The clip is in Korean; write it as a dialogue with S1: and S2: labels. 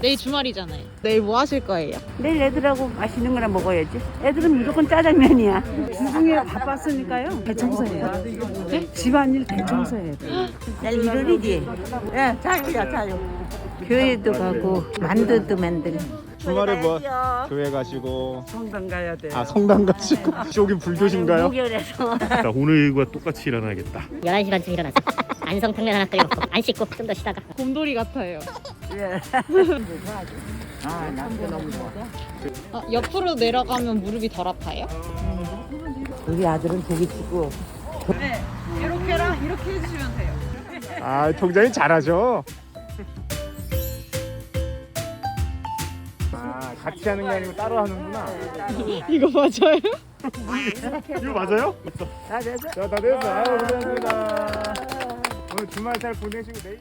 S1: 내일 주말이잖아요. 내일 뭐 하실 거예요?
S2: 내일 애들하고 맛있는 거나 먹어야지. 애들은 무조건 짜장면이야.
S3: 주중에 바빴으니까요. 대청소해요. 네? 집안일 대청소해요.
S2: 내일 일요일이지. 예, 자유야, 자유. 교회도 가고 만두도 만들고.
S4: 주말에 뭐 교회 가시고
S2: 성당 가야 돼.
S4: 아 성당 가시고 여기 불교신가요?
S2: 목요일에서.
S5: 자, 오늘과 똑같이 일어나야겠다.
S6: 11시 반쯤 일어나서 안성탕면 하나 끓여 먹고 안 씻고 좀 더 쉬다가
S1: 곰돌이 같아요.
S2: 예. 아, 남도 너무 좋아.
S1: 옆으로 내려가면 무릎이 덜 아파요?
S2: 우리 아들은 고기 치고.
S1: 네. 이렇게랑 이렇게 해주시면 돼요.
S4: 아 통장이 잘하죠. 아 같이 하는 게 아니고 따로 하는구나.
S1: 이거 맞아요?
S4: 이거 맞아요?
S2: 다 됐어?
S4: 자 다 됐어. 아유 고생하셨습니다. 오늘 주말 잘 보내시고 내일.